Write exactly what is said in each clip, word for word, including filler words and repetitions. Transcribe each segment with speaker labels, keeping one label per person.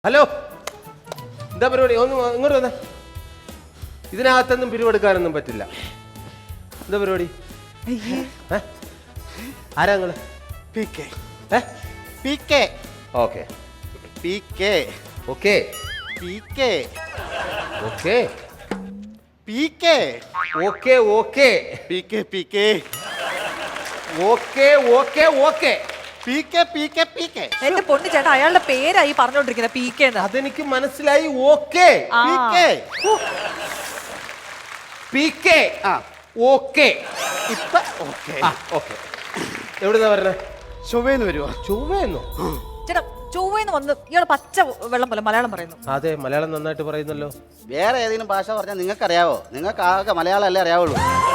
Speaker 1: Hello, എന്താ പരിപാടി? ഒന്ന് ഇങ്ങോട്ട് വന്നേ. ഇതിനകത്തൊന്നും പിരിവെടുക്കാനൊന്നും പറ്റില്ല. എന്താ പരിപാടി? ആരാ നിങ്ങള്?
Speaker 2: P K P K
Speaker 1: okay
Speaker 2: P K
Speaker 1: okay
Speaker 2: P K
Speaker 1: okay
Speaker 2: P K
Speaker 1: okay okay
Speaker 2: P K P K
Speaker 1: okay okay okay
Speaker 2: P K P K P K
Speaker 3: എന്റെ പൊന്നു ചേട്ടാ, അയാളുടെ പേരായി പറഞ്ഞോണ്ടിരിക്കുന്നത് പി കെ.
Speaker 1: അതെനിക്ക് മനസ്സിലായി. Okay
Speaker 2: P K
Speaker 1: P K
Speaker 2: ആ
Speaker 1: okay
Speaker 2: ഇപ്പൊ okay
Speaker 1: okay. എവിടുന്നാ പറഞ്ഞ?
Speaker 2: ചൊവ്വേന്ന് വരുമോ?
Speaker 1: ചൊവ്വയെന്നോ?
Speaker 3: ചേട്ടാ, ചൊവ്വേന്ന് വന്ന് ഇയാൾ പച്ച വെള്ളം പോലെ മലയാളം പറയുന്നു.
Speaker 1: അതെ, മലയാളം നന്നായിട്ട് പറയുന്നല്ലോ.
Speaker 2: വേറെ ഏതെങ്കിലും ഭാഷ പറഞ്ഞാൽ നിങ്ങൾക്ക് അറിയാവോ? നിങ്ങൾക്ക് ആകെ മലയാളം അല്ലേ അറിയാവുള്ളൂ.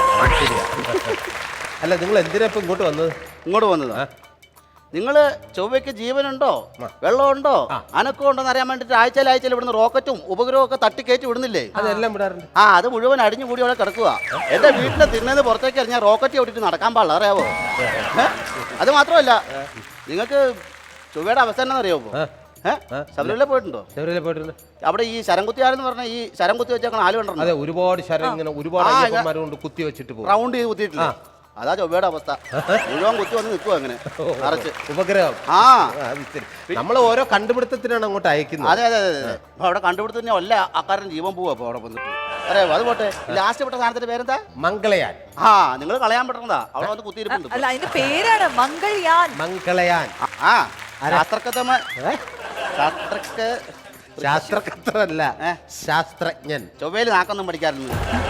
Speaker 1: അല്ല, നിങ്ങൾ എന്തിനാ ഇപ്പൊ ഇങ്ങോട്ട് വന്നത്?
Speaker 2: ഇങ്ങോട്ട് വന്നതാ. നിങ്ങള് ചൊവ്വയ്ക്ക് ജീവനുണ്ടോ, വെള്ളമുണ്ടോ, അനക്കം ഉണ്ടോ എന്ന് അറിയാൻ വേണ്ടിട്ട് ആഴ്ചയിൽ ആഴ്ചയിൽ ഇവിടുന്ന് റോക്കറ്റും ഉപഗ്രഹവും ഒക്കെ തട്ടിക്കയറ്റി വിടുന്നില്ലേ?
Speaker 1: അതെല്ലാം വിടാറുണ്ട്.
Speaker 2: ആ, അത് മുഴുവൻ അടിഞ്ഞു കൂടി അവിടെ കിടക്കുക. എന്റെ വീട്ടിലെ തിണ്ണേന്ന് പുറത്തേക്ക് ഇറങ്ങിയാൽ റോക്കറ്റ് ഓടിയിട്ട് നടക്കാൻ പാടില്ല, അറിയാവോ? അത് മാത്രമല്ല, നിങ്ങൾക്ക് ചൊവ്വയുടെ അവസ്ഥ എന്നാ അറിയാമോ? ഏഹ് ശബരിമല പോയിട്ടുണ്ടോ?
Speaker 1: ശബരിമല പോയിട്ടുണ്ട്.
Speaker 2: അവിടെ ഈ ശരംകുത്തിയാരെന്ന് പറഞ്ഞ ഈ ശരം കുത്തി വെച്ചേക്കണ ആല് കണ്ടോ?
Speaker 1: അതെ, ഒരുപാട് ശരം ഇങ്ങനെ ഒരുപാട് അയ്യപ്പന്മാരെ കൊണ്ട് കുത്തി വെച്ചിട്ട് പോകും.
Speaker 2: റൗണ്ട് ചെയ്ത് കുത്തിയിട്ടില്ല. അതാ ചൊവ്വയുടെ അവസ്ഥ. മുഴുവൻ കുത്തി വന്ന് നിൽക്കുക അങ്ങനെ നിറച്ച്
Speaker 1: ഉപഗ്രഹം.
Speaker 2: ആ,
Speaker 1: നമ്മൾ ഓരോ കണ്ടുപിടുത്തത്തിനാണ് അങ്ങോട്ട് അയക്കുന്നത്.
Speaker 2: അതെ അതെ അതെ. അപ്പൊ അവിടെ കണ്ടുപിടുത്തന്നെ അല്ല ആക്കാരൻ ജീവൻ പോവാ അപ്പൊ അവിടെ വന്നിട്ട്. അറിയാമോ? അത് പോട്ടെ, ലാസ്റ്റ് പെട്ട സാധനത്തിന്റെ പേരെന്താ?
Speaker 1: മംഗളയാൻ.
Speaker 2: ആ, നിങ്ങൾ കളയാൻ പറ്റുന്നതാ. അവിടെ വന്ന് കുത്തിയിരിപ്പുണ്ട്.
Speaker 3: അല്ല, അതിന്റെ പേരാണ് മംഗൾയാൻ.
Speaker 1: മംഗളയാൻ.
Speaker 2: ആ, ശാസ്ത്രക്കഥമ ശാസ്ത്രക്ക
Speaker 1: ശാസ്ത്രകർത്തല്ല, ശാസ്ത്രജ്ഞൻ.
Speaker 2: ചൊവ്വയിൽ നാക്കൊന്നും പഠിക്കാറുണ്ട്.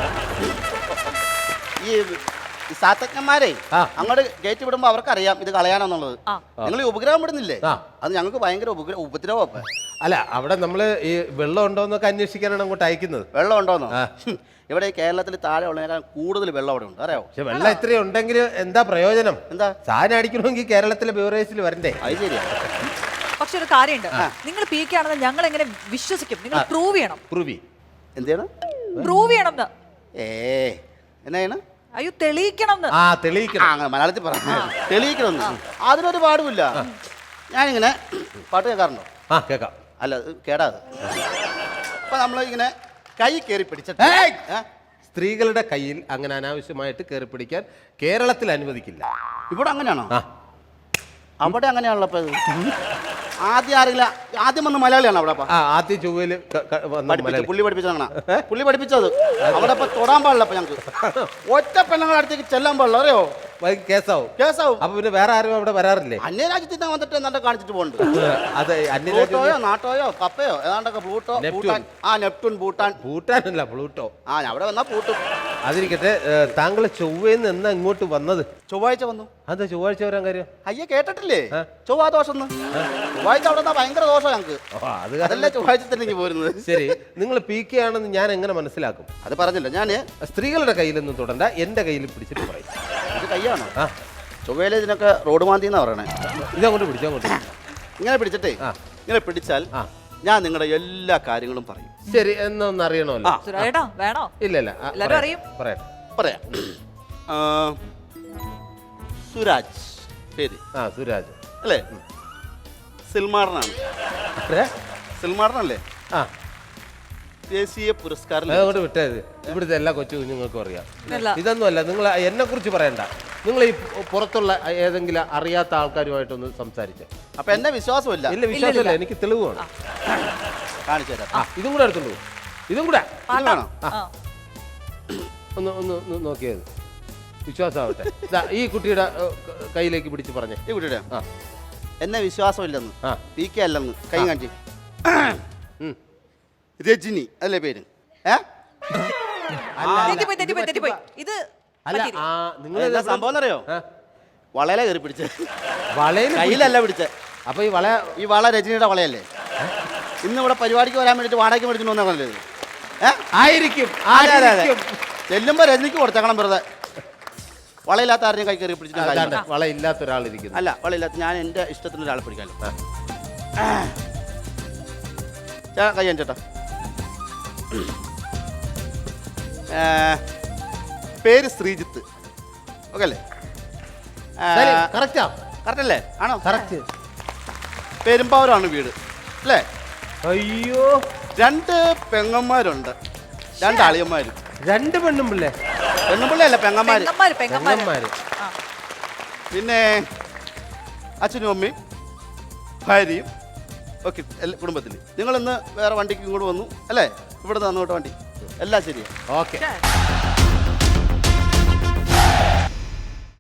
Speaker 2: ഈ ശാസ്ത്രജ്ഞന്മാരെ അങ്ങോട്ട് കയറ്റി വിടുമ്പോ അവർക്കറിയാം ഇത് കളയാനെന്നുള്ളത്. നിങ്ങൾ ഈ ഉപഗ്രഹം വിടുന്നില്ലേ? അത് ഞങ്ങൾക്ക് ഭയങ്കര ഉപഗ്രഹ ഉപദ്രവം.
Speaker 1: അല്ല, അവിടെ നമ്മള് ഈ വെള്ളം ഉണ്ടോന്നൊക്കെ അന്വേഷിക്കാനാണ് അങ്ങോട്ട് അയക്കുന്നത്.
Speaker 2: വെള്ളം ഉണ്ടോന്നോ? ഇവിടെ കേരളത്തിൽ താഴെ ഉള്ളതിനേക്കാൾ കൂടുതൽ വെള്ളം അവിടെ ഉണ്ട്, അറിയാവോ?
Speaker 1: പക്ഷെ വെള്ളം ഇത്രയും ഉണ്ടെങ്കിൽ എന്താ പ്രയോജനം?
Speaker 2: എന്താ
Speaker 1: സാധനം അടിക്കണമെങ്കിൽ കേരളത്തിലെ ബിവറേജിൽ വരണ്ടേ?
Speaker 2: അത് ശരിയാ.
Speaker 3: പക്ഷെ ഒരു കാര്യമുണ്ട്, നിങ്ങൾ പി കെ ആണെന്ന് ഞങ്ങൾ എങ്ങനെ വിശ്വസിക്കും? നിങ്ങൾ പ്രൂവ് ചെയ്യണം.
Speaker 1: പ്രൂവി
Speaker 2: എന്ത് ചെയ്യണം?
Speaker 3: പ്രൂവ് ചെയ്യണം.
Speaker 2: ഏ എന്നാ ചെയ്യണം?
Speaker 3: അയ്യോ, തെളിയിക്കണം.
Speaker 1: ആ, തെളിയിക്കണം.
Speaker 2: അങ്ങനെ മലയാളത്തിൽ പറഞ്ഞു തെളിയിക്കണം. അതിനൊരു പാടുമില്ല. ഞാനിങ്ങനെ പാട്ട് കേൾക്കാറുണ്ടോ?
Speaker 1: ആ, കേക്കാം.
Speaker 2: അല്ല, കേടാത്. അപ്പൊ നമ്മൾ ഇങ്ങനെ കൈ കയറി പിടിച്ചിട്ട്
Speaker 1: സ്ത്രീകളുടെ കയ്യിൽ അങ്ങനെ അനാവശ്യമായിട്ട് കയറി പിടിക്കാൻ കേരളത്തിൽ അനുവദിക്കില്ല.
Speaker 2: ഇവിടെ അങ്ങനെയാണോ? അവിടെ അങ്ങനെയാണല്ലോ. അപ്പൊ ആദ്യം ആരെങ്കിലും ആദ്യം വന്ന് മലയാളിയാണ് അവിടെ.
Speaker 1: ആദ്യം ചൊവ്വയില്
Speaker 2: പുള്ളി പഠിപ്പിച്ചതാണ്. പുള്ളി പഠിപ്പിച്ചത് അവിടെ ഇപ്പൊ തൊടാൻ പാടില്ല. അപ്പൊ ഞങ്ങൾക്ക് ഒറ്റ പെണ്ണുങ്ങളുടെ അടുത്തേക്ക് ചെല്ലാൻ പാടില്ല, അറിയോ?
Speaker 1: കേസാവും.
Speaker 2: കേസാവും.
Speaker 1: അപ്പൊ പിന്നെ വേറെ ആരും അവിടെ വരാറില്ലേ?
Speaker 2: അന്യരാജ്യത്തിൽ നിന്ന് വന്നിട്ട് എന്താ കാണിച്ചിട്ട് പോകുന്നുണ്ട്.
Speaker 1: അതെ,
Speaker 2: പ്ലൂട്ടോയോ നാട്ടോയോ കപ്പയോ ഏതാണ്ടൊക്കെ. പ്ലൂട്ടോ, ഭൂട്ടാൻ. ആ, നെപ്റ്റൂൺ, ഭൂട്ടാൻ.
Speaker 1: ഭൂട്ടാനല്ല, പ്ലൂട്ടോ.
Speaker 2: ആ, അവിടെ വന്നാ പൂട്ടും.
Speaker 1: അതിരിക്കട്ടെ, താങ്കൾ ചൊവ്വന്ന് എന്നാ ഇങ്ങോട്ട് വന്നത്?
Speaker 2: ചൊവ്വാഴ്ച വന്നു.
Speaker 1: അതെ, ചൊവ്വാഴ്ച വരാൻ കാര്യം?
Speaker 2: അയ്യ, കേട്ടിട്ടില്ലേ? ചൊവ്വാ ദോഷം. ചൊവ്വാഴ്ച അവിടെ ഭയങ്കര ദോഷം ഞങ്ങൾക്ക്. അതല്ലേ ചൊവ്വാഴ്ച തന്നെ പോരുന്നത്.
Speaker 1: ശരി, നിങ്ങൾ പി കെ ആണെന്ന് ഞാൻ എങ്ങനെ മനസ്സിലാക്കും?
Speaker 2: അത് പറഞ്ഞില്ല ഞാന്.
Speaker 1: സ്ത്രീകളുടെ കയ്യിലൊന്നും തൊടണ്ട, എന്റെ കയ്യിൽ പിടിച്ചിട്ട് പറയും.
Speaker 2: ഇത് കയ്യാണോ? ആ, ചൊവ്വയിലെ ഇതിനൊക്കെ റോഡ് മാന്തി എന്നാ പറയണേ.
Speaker 1: ഇതങ്ങോട്ട് പിടിച്ചോ, അങ്ങോട്ട്
Speaker 2: ഇങ്ങനെ പിടിച്ചിട്ടേ ഇങ്ങനെ പിടിച്ചാൽ ഞാൻ നിങ്ങളുടെ എല്ലാ കാര്യങ്ങളും പറയും.
Speaker 1: ശരി, എന്നൊന്ന് അറിയണമല്ലോ.
Speaker 3: വേണോ?
Speaker 1: ഇല്ല ഇല്ല,
Speaker 3: എല്ലാരും അറിയും.
Speaker 1: പറയാം
Speaker 2: പറയാം. സുരാജ് പേര്.
Speaker 1: ആ, സുരാജ്
Speaker 2: അല്ലേ? സിൽമാടനാണ്. സിൽമാടനല്ലേ?
Speaker 1: ആ,
Speaker 2: ദേശീയ പുരസ്കാരം.
Speaker 1: അതങ്ങോട്ട് വിട്ടത്. ഇവിടുത്തെ എല്ലാ കൊച്ചു കുഞ്ഞുങ്ങൾക്കും അറിയാം. ഇതൊന്നുമല്ല, നിങ്ങൾ എന്നെ കുറിച്ച് പറയണ്ട. നിങ്ങൾ ഈ പുറത്തുള്ള ഏതെങ്കിലും അറിയാത്ത ആൾക്കാരുമായിട്ടൊന്ന് സംസാരിച്ച.
Speaker 2: അപ്പൊ എന്നെ വിശ്വാസമില്ല?
Speaker 1: ഇല്ല, വിശ്വാസമില്ല, എനിക്ക് തെളിവാണ്.
Speaker 2: കാണിച്ചു തരാം.
Speaker 1: ആ, ഇതും കൂടെ എടുത്തോളൂ. ഇതും കൂടെ
Speaker 2: വേണോ?
Speaker 1: ഒന്ന് ഒന്ന് നോക്കിയത് വിശ്വാസമാവട്ടെ. ഈ കുട്ടിയുടെ കയ്യിലേക്ക് പിടിച്ച് പറഞ്ഞേ.
Speaker 2: ഈ കുട്ടിയുടെ എന്നെ വിശ്വാസമില്ലെന്ന്, പി കെ അല്ലെന്ന് കൈ കാണിച്ചു. രജനി അല്ലേ പേര്?
Speaker 1: നിങ്ങൾ
Speaker 2: സംഭവം അറിയോ? വളയില കയറി പിടിച്ച.
Speaker 1: വളയിൽ
Speaker 2: കയ്യിലല്ല പിടിച്ച.
Speaker 1: അപ്പൊ ഈ വള
Speaker 2: ഈ വള രജനിയുടെ വളയല്ലേ? ഇന്ന് ഇവിടെ പരിപാടിക്ക് വരാൻ വേണ്ടിട്ട് വാടകയ്ക്ക് മേടിച്ചു വന്നല്ലേ?
Speaker 1: ആയിരിക്കും.
Speaker 2: ചെല്ലുമ്പോ രജനിക്ക് കൊടുത്തേക്കണം വെറുതെ. വളയില്ലാത്ത ആരെയും കൈ കയറി പിടിച്ചിട്ട്
Speaker 1: വളയില്ലാത്ത ഒരാളിരിക്കുന്നു.
Speaker 2: അല്ല, വളയില്ലാത്ത ഞാൻ എന്റെ ഇഷ്ടത്തിന് ഒരാളെ പിടിക്കാമല്ലോ. കൈ ചേട്ടാ. പേര് ശ്രീജിത്ത്. ഓക്കെ അല്ലേ?
Speaker 1: കറക്റ്റാ?
Speaker 2: കറക്റ്റ് അല്ലേ? ആണോ?
Speaker 1: കറക്റ്റ്.
Speaker 2: പെരുമ്പാവൂരാണ് വീട് അല്ലേ?
Speaker 1: അയ്യോ,
Speaker 2: രണ്ട് പെങ്ങന്മാരുണ്ട്, രണ്ട് അളിയന്മാരും.
Speaker 1: രണ്ട് പെണ്ണും പിള്ളേ.
Speaker 2: പെണ്ണുപിള്ളയല്ല, പെങ്ങന്മാര്.
Speaker 3: പെങ്ങന്മാര് പെങ്ങന്മാര്
Speaker 1: പെങ്ങന്മാര്.
Speaker 3: ആ.
Speaker 2: പിന്നെ അച്ഛനും അമ്മയും ഭാര്യയും ഒക്കെ കുടുംബത്തിൽ. നിങ്ങളിന്ന് വേറെ വണ്ടിക്ക് ഇങ്ങോട്ട് വന്നു അല്ലേ? ഇവിടെ തന്നോട്ട് വണ്ടി എല്ലാം ശരിയാ.
Speaker 1: ഓക്കെ.
Speaker 3: ഛെ.